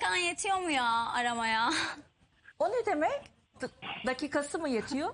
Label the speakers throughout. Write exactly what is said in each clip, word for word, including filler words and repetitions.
Speaker 1: dakikan yetiyor mu ya aramaya?
Speaker 2: O ne demek? D- dakikası mı yetiyor?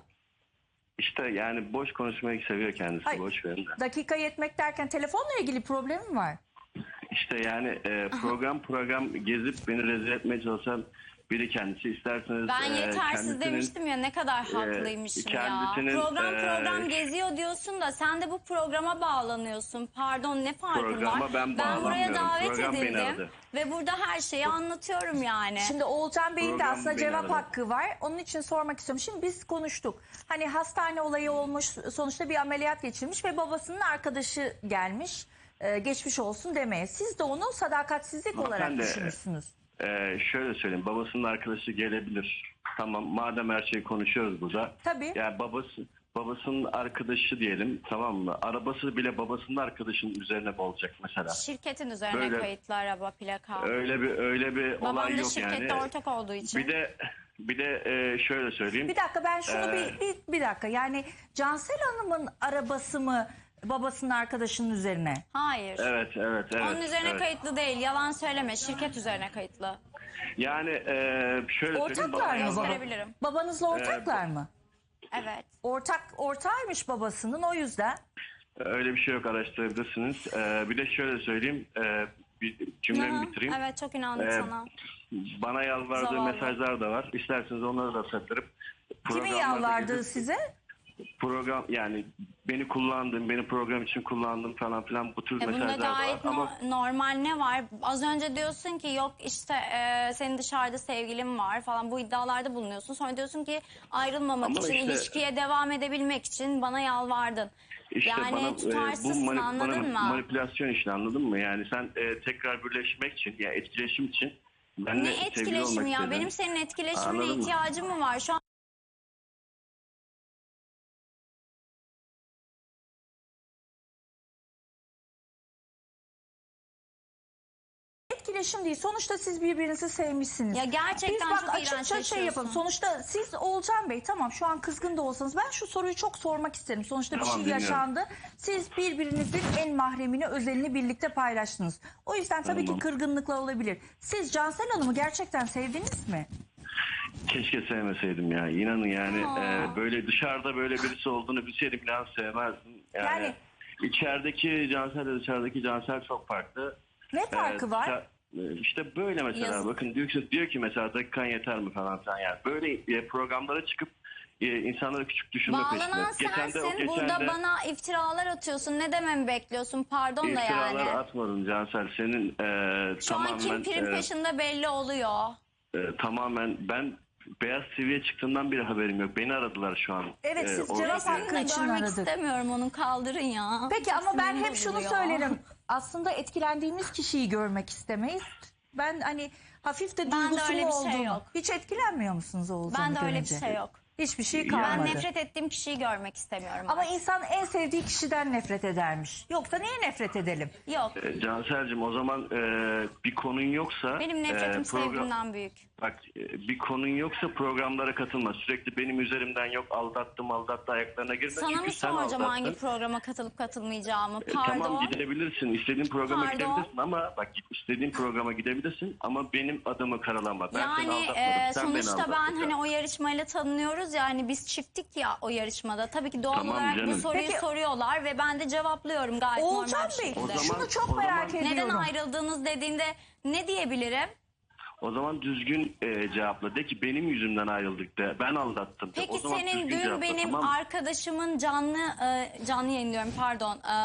Speaker 3: İşte yani boş konuşmayı seviyor kendisi.
Speaker 2: Hayır.
Speaker 3: Boş verin de.
Speaker 2: Dakika yetmek derken telefonla ilgili problem mi var?
Speaker 3: İşte yani e, program program gezip beni rezil etmeye çalışan biri kendisi. İsterseniz
Speaker 1: Ben
Speaker 3: e,
Speaker 1: yetersiz
Speaker 3: kendisinin-
Speaker 1: demiştim ya, ne kadar haklıymışım ya.
Speaker 3: kendisinin,
Speaker 1: Program
Speaker 3: e,
Speaker 1: program geziyor diyorsun da sen de bu programa bağlanıyorsun. Pardon, ne farkın
Speaker 3: Programa
Speaker 1: var?
Speaker 3: ben
Speaker 1: buraya
Speaker 3: bağlanmıyorum.
Speaker 1: davet
Speaker 3: Program beni
Speaker 1: edildim
Speaker 3: aradı.
Speaker 1: ve burada her şeyi anlatıyorum yani.
Speaker 2: Şimdi Oğulcan Bey'in de
Speaker 3: Program
Speaker 2: aslında
Speaker 3: beni
Speaker 2: cevap
Speaker 3: aradı.
Speaker 2: hakkı var. Onun için sormak istiyorum. Şimdi biz konuştuk. Hani hastane olayı olmuş, sonuçta bir ameliyat geçirmiş ve babasının arkadaşı gelmiş. Ee, geçmiş olsun demeye. Siz de onu sadakatsizlik olarak
Speaker 3: Hanımefendi,
Speaker 2: düşünmüşsünüz.
Speaker 3: e, şöyle söyleyeyim. Babasının arkadaşı gelebilir. Tamam, madem her şeyi konuşuyoruz burada.
Speaker 2: Tabii.
Speaker 3: Yani babası babasının arkadaşı diyelim, tamam mı? Arabası bile babasının arkadaşının üzerine mi olacak mesela?
Speaker 1: Şirketin üzerine
Speaker 3: Böyle-
Speaker 1: kayıtlı araba, plaka.
Speaker 3: Öyle bir öyle bir
Speaker 1: Babam
Speaker 3: olay
Speaker 1: da
Speaker 3: yok
Speaker 1: şirkette
Speaker 3: yani.
Speaker 1: ortak olduğu için.
Speaker 3: Bir de bir de e, şöyle söyleyeyim.
Speaker 2: Bir dakika ben şunu
Speaker 3: Ee,
Speaker 2: bir, bir, bir dakika. Yani Cansel Hanım'ın arabası mı babasının arkadaşının üzerine?
Speaker 1: Hayır.
Speaker 3: Evet, evet, evet.
Speaker 1: Onun üzerine
Speaker 3: evet.
Speaker 1: kayıtlı değil. Yalan söyleme. Şirket üzerine kayıtlı.
Speaker 3: Yani e, şöyle söyleyeyim.
Speaker 2: Ortaklar
Speaker 3: baba-
Speaker 2: mı baba?
Speaker 1: gösterebilirim.
Speaker 2: Babanızla ortaklar mı?
Speaker 1: Evet.
Speaker 2: Ortak ortağıymış babasının, o yüzden.
Speaker 3: Öyle bir şey yok, araştırabilirsiniz. E, bir de şöyle söyleyeyim. E, bir cümlemi
Speaker 1: Aha,
Speaker 3: bitireyim.
Speaker 1: Evet, çok inandık
Speaker 3: Ee,
Speaker 1: sana.
Speaker 3: Bana yalvardığı
Speaker 1: Zavallı.
Speaker 3: mesajlar da var. İsterseniz onları da saklarıp
Speaker 2: Kimin
Speaker 3: programlarda
Speaker 2: yalvardığı
Speaker 3: gezip-
Speaker 2: size?
Speaker 3: program, yani beni kullandın, beni program için kullandın falan filan, bu tür
Speaker 1: E bunda
Speaker 3: mesajlar da var.
Speaker 1: gayet no-
Speaker 3: Ama
Speaker 1: normal ne var? Az önce diyorsun ki yok işte e, senin dışarıda sevgilin var falan, bu iddialarda bulunuyorsun. Sonra diyorsun ki ayrılmamak
Speaker 3: Ama
Speaker 1: için,
Speaker 3: işte-
Speaker 1: ilişkiye devam edebilmek için bana yalvardın.
Speaker 3: işte
Speaker 1: yani
Speaker 3: bana, e, bu
Speaker 1: tutarsızsın,
Speaker 3: mani-
Speaker 1: anladın
Speaker 3: bana-
Speaker 1: mı?
Speaker 3: manipülasyon işte, anladın mı? Yani sen e, tekrar birleşmek için, ya etkileşim için benimle
Speaker 1: Ne
Speaker 3: sevgili
Speaker 1: etkileşimi
Speaker 3: olmak
Speaker 1: ya?
Speaker 3: istedin.
Speaker 1: Benim senin etkileşimine
Speaker 3: Anladın mı?
Speaker 1: ihtiyacım mı var? Şu an
Speaker 2: Etkileşim değil. Sonuçta siz birbirinizi sevmişsiniz.
Speaker 1: Ya gerçekten
Speaker 2: Biz bak
Speaker 1: çok
Speaker 2: açıkça şey
Speaker 1: iğrençleşiyorsun.
Speaker 2: yapalım. Sonuçta siz Oğulcan Bey, tamam şu an kızgın da olsanız ben şu soruyu çok sormak isterim. Sonuçta
Speaker 3: Tamam,
Speaker 2: bir şey
Speaker 3: dinliyorum.
Speaker 2: yaşandı. Siz birbirinizin en mahremini, özelini birlikte paylaştınız. O yüzden tabii
Speaker 3: Tamam.
Speaker 2: ki kırgınlıklar olabilir. Siz Cansel Hanım'ı gerçekten sevdiniz mi?
Speaker 3: Keşke sevmeseydim ya. İnanın yani
Speaker 1: Aa.
Speaker 3: e, böyle dışarıda böyle birisi olduğunu bilseydim inan sevmezdim. Yani,
Speaker 2: Yani-
Speaker 3: içerideki Cansel ile dışarıdaki Cansel çok farklı.
Speaker 2: Ne farkı
Speaker 3: Ee,
Speaker 2: var?
Speaker 3: dışa- e, İşte böyle mesela,
Speaker 1: Yazık.
Speaker 3: bakın diyor ki, diyor ki mesela dakikan yeter mi falan filan, yani böyle e, programlara çıkıp e, insanları küçük düşürme peşinde.
Speaker 1: bağlanan
Speaker 3: Geçen de- o
Speaker 1: sensin.
Speaker 3: geçen
Speaker 1: Burada
Speaker 3: de
Speaker 1: bana iftiralar atıyorsun. Ne dememi bekliyorsun? Pardon da
Speaker 3: iftiralar
Speaker 1: yani.
Speaker 3: atmadım Cansel, senin e,
Speaker 1: Şu an
Speaker 3: tamamen
Speaker 1: kim prim
Speaker 3: e,
Speaker 1: peşinde belli oluyor.
Speaker 3: e, tamamen ben Beyaz T V'ye çıktığından beri haberim yok. Beni aradılar şu an.
Speaker 2: Evet, siz
Speaker 3: o-
Speaker 2: cevap hakkı
Speaker 1: Seni de
Speaker 2: için
Speaker 1: görmek
Speaker 2: aradık.
Speaker 1: istemiyorum, onu kaldırın ya.
Speaker 2: Peki
Speaker 1: Çok
Speaker 2: ama ben
Speaker 1: sinirim
Speaker 2: hep şunu
Speaker 1: bozuluyor.
Speaker 2: söylerim. Aslında etkilendiğimiz kişiyi görmek istemeyiz. Ben hani hafif de
Speaker 1: Bende
Speaker 2: duygusu
Speaker 1: öyle
Speaker 2: mu
Speaker 1: bir şey
Speaker 2: olduğunu.
Speaker 1: yok.
Speaker 2: Hiç etkilenmiyor musunuz Oğulcan'ı
Speaker 1: Bende öyle bir
Speaker 2: görünce?
Speaker 1: şey yok.
Speaker 2: Hiçbir şey
Speaker 3: Yani-
Speaker 2: kalmadı.
Speaker 1: Ben nefret ettiğim kişiyi görmek istemiyorum.
Speaker 2: Ama
Speaker 1: artık.
Speaker 2: insan en sevdiği kişiden nefret edermiş. Yoksa niye nefret edelim?
Speaker 1: Yok.
Speaker 3: E, Cansel'cim, o zaman e, bir konun yoksa...
Speaker 1: Benim nefretim
Speaker 3: e, program-
Speaker 1: sevgimden büyük.
Speaker 3: Bak, e, bir konun yoksa programlara katılma. Sürekli benim üzerimden yok aldattım aldattı ayaklarına girme.
Speaker 1: Sana
Speaker 3: Çünkü
Speaker 1: mı
Speaker 3: sen
Speaker 1: soracağım
Speaker 3: aldattın.
Speaker 1: hangi programa katılıp katılmayacağımı?
Speaker 3: E,
Speaker 1: Pardon.
Speaker 3: Tamam, gidebilirsin. İstediğin programa
Speaker 1: Pardon.
Speaker 3: gidebilirsin ama bak, istediğin programa gidebilirsin ama benim adımı karalama. Ben seni
Speaker 1: Yani
Speaker 3: aldatmadım.
Speaker 1: e,
Speaker 3: sen beni
Speaker 1: sonuçta ben
Speaker 3: aldattın.
Speaker 1: hani o yarışmayla tanınıyoruz ya, hani biz çifttik ya o yarışmada. Tabii ki doğal
Speaker 3: Tamam
Speaker 1: olarak bu
Speaker 3: canım.
Speaker 1: soruyu
Speaker 2: Peki-
Speaker 1: soruyorlar ve ben de cevaplıyorum gayet
Speaker 2: Oğulcan
Speaker 1: normal bir
Speaker 2: Bey,
Speaker 1: şekilde.
Speaker 3: O zaman-
Speaker 2: şunu çok
Speaker 3: o
Speaker 2: merak
Speaker 3: zaman-
Speaker 2: ediyorum.
Speaker 1: Neden ayrıldığınız dediğinde ne diyebilirim?
Speaker 3: O zaman düzgün e, cevapla. De ki benim yüzümden ayrıldık de. Ben aldattım de.
Speaker 1: Peki
Speaker 3: O zaman
Speaker 1: senin
Speaker 3: düzgün
Speaker 1: dün
Speaker 3: cevapla,
Speaker 1: benim
Speaker 3: tamam mı?
Speaker 1: arkadaşımın canlı e, canlı yayınlıyorum pardon e,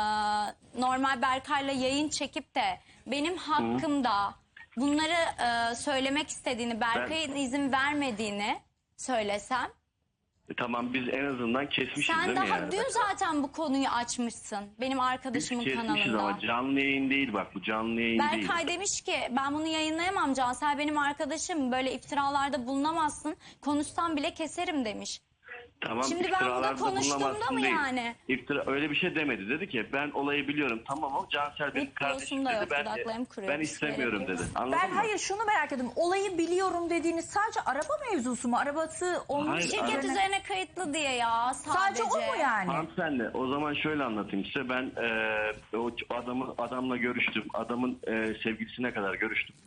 Speaker 1: normal Berkay'la yayın çekip de benim hakkımda bunları e, söylemek istediğini, Berkay'ın izin vermediğini söylesem.
Speaker 3: E, tamam, biz en azından kesmişiz
Speaker 1: Sen
Speaker 3: değil
Speaker 1: daha
Speaker 3: mi yani?
Speaker 1: dün zaten bu konuyu açmışsın benim
Speaker 3: Biz
Speaker 1: arkadaşımın
Speaker 3: kesmişiz
Speaker 1: kanalında.
Speaker 3: ama canlı yayın değil, bak bu canlı yayın değil.
Speaker 1: Berkay demiş ki ben bunu yayınlayamam Cansel benim arkadaşım, böyle iftiralarda bulunamazsın, konuşsam bile keserim demiş.
Speaker 3: Tamam,
Speaker 1: Şimdi ben burada
Speaker 3: iftiralarda
Speaker 1: konuştuğumda
Speaker 3: bulunamazsın
Speaker 1: mı
Speaker 3: değil.
Speaker 1: yani?
Speaker 3: İftira öyle bir şey demedi. Dedi ki ben olayı biliyorum. Tamam, o Cansel benim
Speaker 1: Hiç
Speaker 3: kardeşim
Speaker 1: diyorsun da
Speaker 3: dedi.
Speaker 1: yok,
Speaker 3: Ben,
Speaker 1: dudaklarım kuruyor.
Speaker 3: ben istemiyorum dedi. Anladın
Speaker 2: Ben
Speaker 3: mı?
Speaker 2: hayır şunu merak ettim. Olayı biliyorum dediğiniz sadece araba mevzusu mu? Arabası onun
Speaker 3: Hayır,
Speaker 1: Şirket
Speaker 3: Üzerine-
Speaker 1: üzerine kayıtlı diye ya sadece.
Speaker 2: Sadece o mu yani?
Speaker 3: Hanımefendi, o zaman şöyle anlatayım size. Ben e, o adamı adamla görüştüm. Adamın e, sevgilisine kadar görüştüm.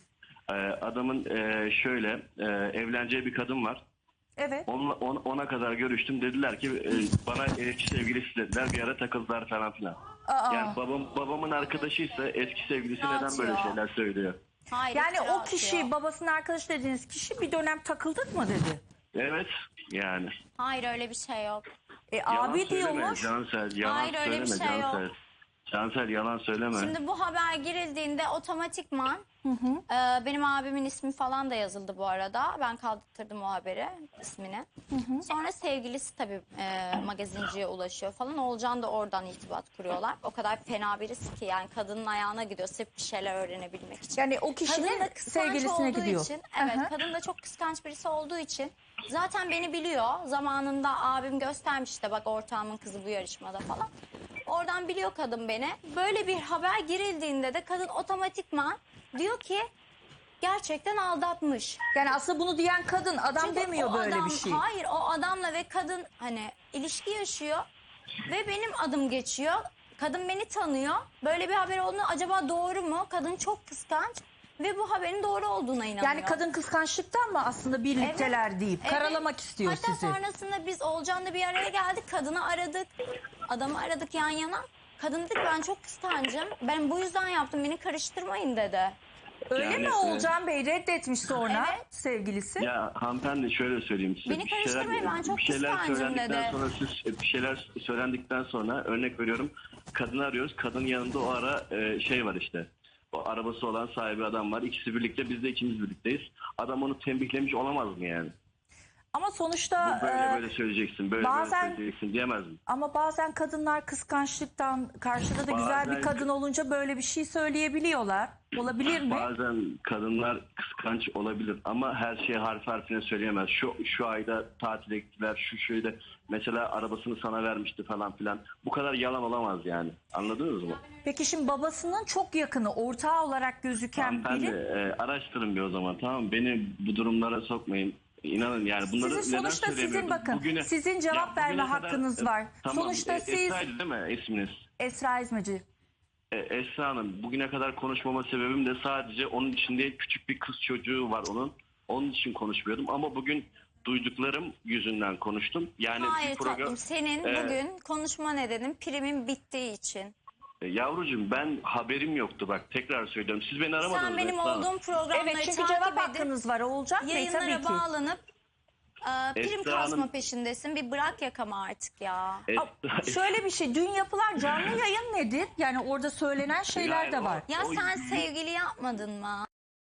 Speaker 3: Ee, adamın e, şöyle e, evleneceği bir kadın var.
Speaker 2: Evet.
Speaker 3: Onunla, on- ona kadar görüştüm. Dediler ki e, bana eski sevgilisi dediler. Bir ara takıldılar falan filan.
Speaker 2: Aa.
Speaker 3: Yani babam babamın arkadaşıysa eski sevgilisi
Speaker 1: Ne
Speaker 3: neden böyle
Speaker 1: atıyor?
Speaker 3: şeyler söylüyor?
Speaker 1: Hayır,
Speaker 2: Yani
Speaker 1: iftira
Speaker 2: o kişi,
Speaker 1: atıyor.
Speaker 2: babasının arkadaşı dediğiniz kişi bir dönem takıldık mı dedi.
Speaker 3: Evet yani.
Speaker 1: Hayır, öyle bir şey yok.
Speaker 2: E
Speaker 3: Yalan
Speaker 2: abi
Speaker 3: söyleme
Speaker 2: diyormuş.
Speaker 3: Cansel. Yalan
Speaker 1: Hayır, öyle bir
Speaker 3: söyleme
Speaker 1: şey yok.
Speaker 3: Cansel. Cansel yalan söyleme.
Speaker 1: Şimdi bu haber girildiğinde otomatikman e, benim abimin ismi falan da yazıldı bu arada. Ben kaldırttırdım o haberi, ismini. Sonra sevgilisi tabii e, magazinciye ulaşıyor falan. Oğulcan da oradan irtibat kuruyorlar. O kadar fena birisi ki yani kadının ayağına gidiyor sırf bir şeyler öğrenebilmek için.
Speaker 2: Yani o
Speaker 1: Kadın
Speaker 2: kişinin
Speaker 1: da kıskanç
Speaker 2: sevgilisine
Speaker 1: olduğu
Speaker 2: gidiyor.
Speaker 1: için, evet,
Speaker 2: Aha.
Speaker 1: kadın da çok kıskanç birisi olduğu için zaten beni biliyor. Zamanında abim göstermiş işte, bak ortağımın kızı bu yarışmada falan. Oradan biliyor kadın beni. Böyle bir haber girildiğinde de kadın otomatikman diyor ki gerçekten aldatmış.
Speaker 2: Yani aslında bunu diyen kadın, adam
Speaker 1: Çünkü
Speaker 2: demiyor
Speaker 1: o
Speaker 2: böyle
Speaker 1: adam-
Speaker 2: bir şey.
Speaker 1: Hayır, o adamla ve kadın hani ilişki yaşıyor ve benim adım geçiyor. Kadın beni tanıyor. Böyle bir haber olduğunda acaba doğru mu? Kadın çok kıskanç ve bu haberin doğru olduğuna inanıyor.
Speaker 2: Yani kadın kıskançlıktan mı aslında birlikteler
Speaker 1: Evet,
Speaker 2: deyip
Speaker 1: evet.
Speaker 2: karalamak istiyor
Speaker 1: Hatta
Speaker 2: sizi.
Speaker 1: sonrasında biz Olcan'la bir araya geldik. Kadını aradık. Adamı aradık yan yana. Kadın dedi ki ben çok kıskancım. Ben bu yüzden yaptım. Beni karıştırmayın dedi.
Speaker 2: Öyle
Speaker 3: Yani,
Speaker 2: mi
Speaker 3: e,
Speaker 2: Oğulcan Bey reddetmiş sonra
Speaker 1: Evet.
Speaker 2: sevgilisi?
Speaker 3: Ya hanımefendi şöyle söyleyeyim size.
Speaker 1: Beni karıştırmayın, ben çok
Speaker 3: bir şeyler
Speaker 1: kıskancım
Speaker 3: söylendikten
Speaker 1: dedi.
Speaker 3: sonra siz bir şeyler söylendikten sonra örnek veriyorum kadını arıyoruz. Kadın yanında o ara e, şey var işte. O arabası olan sahibi adam var. İkisi birlikte, biz de ikimiz birlikteyiz. Adam onu tembihlemiş olamaz mı yani?
Speaker 2: Ama sonuçta
Speaker 3: Bu böyle
Speaker 2: e,
Speaker 3: böyle söyleyeceksin, böyle
Speaker 2: bazen-
Speaker 3: böyle söyleyeceksin diyemez mi?
Speaker 2: ama bazen kadınlar kıskançlıktan karşıda da güzel bir
Speaker 3: Bazen-
Speaker 2: kadın olunca böyle bir şey söyleyebiliyorlar. Olabilir mi?
Speaker 3: Bazen kadınlar kıskanç olabilir ama her şeyi harf harfine söyleyemez. Şu şu ayda tatile gittiler, şu şöyle mesela arabasını sana vermişti falan filan. Bu kadar yalan olamaz yani. Anladınız mı?
Speaker 2: Peki şimdi babasının çok yakını, ortağı olarak gözüken
Speaker 3: Hanımefendi
Speaker 2: biri.
Speaker 3: e, araştırın bir o zaman, tamam mı? Beni bu durumlara sokmayın. İnanın yani bunları
Speaker 2: Sizin
Speaker 3: neden
Speaker 2: sonuçta sizin
Speaker 3: söylemiyorum?
Speaker 2: bakın,
Speaker 3: Bugüne-
Speaker 2: sizin cevap
Speaker 3: Ya
Speaker 2: verme
Speaker 3: bugüne kadar-
Speaker 2: hakkınız var.
Speaker 3: Tamam,
Speaker 2: Sonuçta
Speaker 3: e,
Speaker 2: siz
Speaker 3: Esra'ydı değil mi isminiz?
Speaker 2: Esra İzmeci.
Speaker 3: E, Esra Hanım, bugüne kadar konuşmama sebebim de sadece onun içinde küçük bir kız çocuğu var onun. Onun için konuşmuyordum ama bugün duyduklarım yüzünden konuştum. Yani
Speaker 1: Hayır
Speaker 3: bir program...
Speaker 1: tatlım, senin
Speaker 3: E,
Speaker 1: bugün konuşma nedenin primin bittiği için.
Speaker 3: e, yavrucuğum ben haberim yoktu, bak tekrar söylüyorum. Siz beni aramadınız.
Speaker 1: Sen benim
Speaker 3: Esra Hanım.
Speaker 1: olduğum programları
Speaker 2: Evet, çünkü
Speaker 1: takip
Speaker 2: cevap
Speaker 1: edip
Speaker 2: hakkınız var Oğulcan Bey tabii
Speaker 1: yayınlara
Speaker 2: ki.
Speaker 1: bağlanıp e, prim
Speaker 3: Esra
Speaker 1: kasma
Speaker 3: Hanım-
Speaker 1: peşindesin. Bir bırak yakamı artık ya.
Speaker 3: Esra-
Speaker 2: Şöyle bir şey, dün yapılan canlı yayın nedir? Yani orada söylenen şeyler
Speaker 3: Hayır,
Speaker 2: de
Speaker 3: o-
Speaker 2: var.
Speaker 1: Ya
Speaker 3: o-
Speaker 1: sen sevgili yapmadın mı?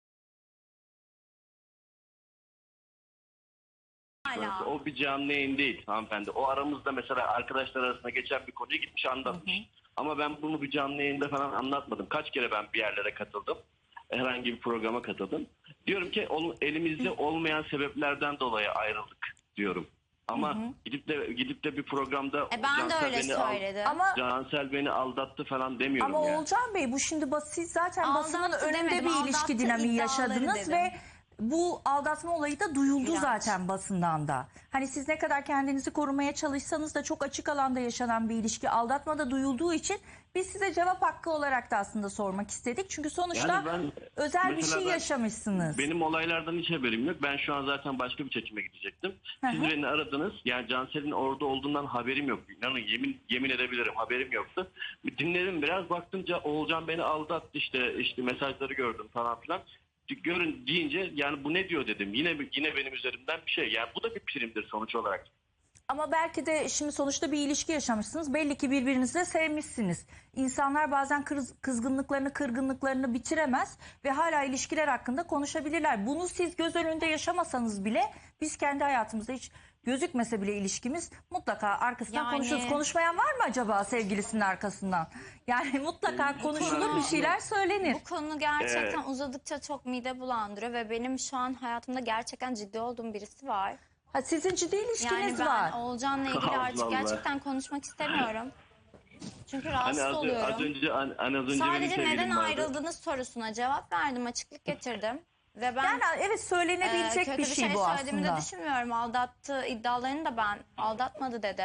Speaker 1: Hala.
Speaker 3: O bir canlı yayın değil hanımefendi. O aramızda mesela arkadaşlar arasında geçen bir konuyu gitmiş anlatmış. Ama ben bunu bir canlı yayında falan anlatmadım. Kaç kere ben bir yerlere katıldım. Herhangi bir programa katıldım. Diyorum ki onun elimizde olmayan sebeplerden dolayı ayrıldık diyorum. Ama gidip de gidip de bir programda
Speaker 1: E ben de
Speaker 3: Cansel
Speaker 1: öyle
Speaker 3: beni al-
Speaker 1: söyledim.
Speaker 2: Ama
Speaker 3: Cansel beni aldattı falan demiyorum
Speaker 2: ama
Speaker 3: ya.
Speaker 2: Oğulcan Bey bu şimdi bas, siz zaten
Speaker 1: Aldattı
Speaker 2: basının önünde
Speaker 1: demedim,
Speaker 2: bir ilişki
Speaker 1: aldattı
Speaker 2: dinamiği
Speaker 1: iddiaları
Speaker 2: yaşadınız
Speaker 1: dedim.
Speaker 2: ve bu aldatma olayı da duyuldu
Speaker 1: İğrenç.
Speaker 2: zaten basından da. Hani siz ne kadar kendinizi korumaya çalışsanız da çok açık alanda yaşanan bir ilişki, aldatma da duyulduğu için biz size cevap hakkı olarak da aslında sormak istedik. Çünkü sonuçta
Speaker 3: Yani ben-
Speaker 2: özel bir
Speaker 3: mesela
Speaker 2: şey
Speaker 3: ben-
Speaker 2: yaşamışsınız.
Speaker 3: Benim olaylardan hiç haberim yok. Ben şu an zaten başka bir çekime gidecektim. Siz
Speaker 2: Hı hı.
Speaker 3: beni aradınız. Yani Cansel'in orada olduğundan haberim yok. İnanın yemin yemin edebilirim, haberim yoktu. Dinledim biraz, baktımca Oğulcan beni aldattı, işte işte mesajları gördüm falan filan. Görün deyince yani bu ne diyor dedim. Yine yine benim üzerimden bir şey. Yani bu da bir primdir sonuç olarak.
Speaker 2: Ama belki de şimdi sonuçta bir ilişki yaşamışsınız. Belli ki birbirinizi de sevmişsiniz. İnsanlar bazen kız- kızgınlıklarını, kırgınlıklarını bitiremez ve hala ilişkiler hakkında konuşabilirler. Bunu siz göz önünde yaşamasanız bile biz kendi hayatımızda hiç gözükmese bile ilişkimiz mutlaka arkasından
Speaker 1: Yani-
Speaker 2: konuşuruz. Konuşmayan var mı acaba sevgilisinin arkasından? Yani mutlaka konuşulur, bir şeyler söylenir.
Speaker 1: Bu konu gerçekten uzadıkça çok mide bulandırıyor ve benim şu an hayatımda gerçekten ciddi olduğum birisi var.
Speaker 2: Ha, sizin ciddi
Speaker 1: Yani
Speaker 2: ilişkiniz
Speaker 1: ben
Speaker 2: var.
Speaker 1: Oğulcan'la ilgili
Speaker 3: Allah
Speaker 1: artık
Speaker 3: Allah.
Speaker 1: gerçekten konuşmak istemiyorum. Çünkü rahatsız
Speaker 3: Hani az,
Speaker 1: oluyorum.
Speaker 3: az önce hani az önce benim
Speaker 1: Sadece
Speaker 3: sevgilim
Speaker 1: neden
Speaker 3: vardı.
Speaker 1: ayrıldığınız sorusuna cevap verdim, açıklık getirdim. Ve ben
Speaker 2: Yani evet
Speaker 1: e,
Speaker 2: söylenebilecek
Speaker 1: kötü
Speaker 2: bir şey bu
Speaker 1: söylediğimi
Speaker 2: aslında.
Speaker 1: de düşünmüyorum. Aldattığı iddialarını da ben aldatmadı dedim.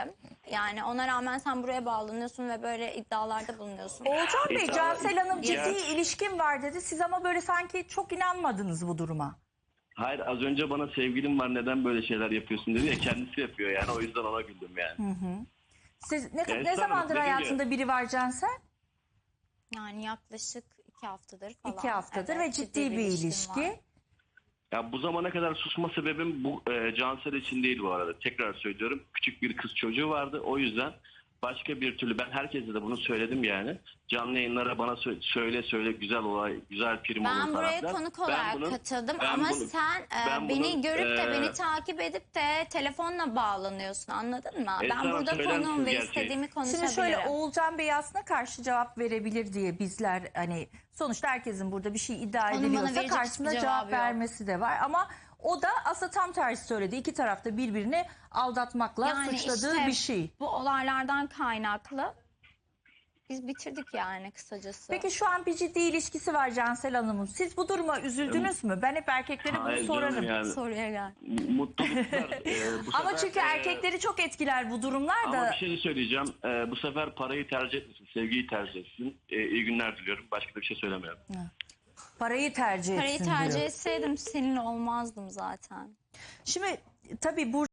Speaker 1: Yani ona rağmen sen buraya bağlanıyorsun ve böyle iddialarda bulunuyorsun.
Speaker 2: Oğulcan Bey,
Speaker 3: İddia-
Speaker 2: Cansel Hanım ciddi
Speaker 3: Ya-
Speaker 2: ilişkin var dedi. Siz ama böyle sanki çok inanmadınız bu duruma.
Speaker 3: Hayır, az önce bana sevgilim var neden böyle şeyler yapıyorsun dedi ya, kendisi yapıyor yani, o yüzden ona güldüm yani.
Speaker 2: Siz ne,
Speaker 3: Evet,
Speaker 2: ne zamandır
Speaker 3: tabii, dediğim
Speaker 2: hayatında biri var Cansel?
Speaker 1: Yani yaklaşık iki haftadır falan.
Speaker 2: İki haftadır
Speaker 1: Evet,
Speaker 2: ve ciddi bir
Speaker 1: ilişkim
Speaker 2: ilişki.
Speaker 1: var.
Speaker 3: Ya bu zamana kadar susma sebebim bu e, Cansel için değil bu arada. Tekrar söylüyorum. Küçük bir kız çocuğu vardı. O yüzden başka bir türlü, ben herkese de bunu söyledim yani. Canlı yayınlara bana sö- söyle söyle güzel olay, güzel prim olur
Speaker 1: Ben
Speaker 3: falan
Speaker 1: buraya
Speaker 3: filan.
Speaker 1: konuk
Speaker 3: Ben
Speaker 1: olarak
Speaker 3: bunu-
Speaker 1: katıldım
Speaker 3: ben
Speaker 1: ama
Speaker 3: bunu-
Speaker 1: sen e,
Speaker 3: ben
Speaker 1: beni
Speaker 3: bunu,
Speaker 1: görüp de
Speaker 3: e,
Speaker 1: beni takip edip de telefonla bağlanıyorsun, anladın mı?
Speaker 3: Esra
Speaker 1: Ben
Speaker 3: Hanım,
Speaker 1: burada
Speaker 3: söyler
Speaker 1: konuğum
Speaker 3: misiniz
Speaker 1: ve
Speaker 3: gerçeği?
Speaker 1: istediğimi
Speaker 2: Şimdi
Speaker 1: konuşabilirim.
Speaker 2: şöyle, Oğulcan Bey aslında karşı cevap verebilir diye bizler, hani sonuçta herkesin burada bir şey iddia
Speaker 1: Onun bana
Speaker 2: ediliyorsa
Speaker 1: verecek
Speaker 2: karşısında
Speaker 1: hiçbir
Speaker 2: cevap
Speaker 1: cevabı yok.
Speaker 2: vermesi de var. Ama o da aslında tam tersi söyledi. İki tarafta birbirini aldatmakla
Speaker 1: Yani
Speaker 2: suçladığı
Speaker 1: işte
Speaker 2: bir şey.
Speaker 1: bu olaylardan kaynaklı biz bitirdik yani kısacası.
Speaker 2: Peki şu an bir ciddi ilişkisi var Cansel Hanım'ın. Siz bu duruma üzüldünüz mü? Ben hep erkeklere bunu
Speaker 3: Hayır
Speaker 2: sorarım.
Speaker 3: canım yani.
Speaker 1: Soruya gel.
Speaker 3: Mutluluklar. e, bu
Speaker 2: Ama
Speaker 3: sefer,
Speaker 2: çünkü
Speaker 3: e,
Speaker 2: erkekleri çok etkiler bu durumlar
Speaker 3: Ama
Speaker 2: da.
Speaker 3: bir şey söyleyeceğim. Ee, bu sefer parayı tercih etmesin, sevgiyi tercih etsin. Ee, iyi günler diliyorum. Başka da bir şey söylemiyorum.
Speaker 2: Parayı tercih
Speaker 1: Parayı
Speaker 2: etsin
Speaker 1: tercih
Speaker 2: diyor.
Speaker 1: etseydim seninle olmazdım zaten.
Speaker 2: Şimdi tabii bu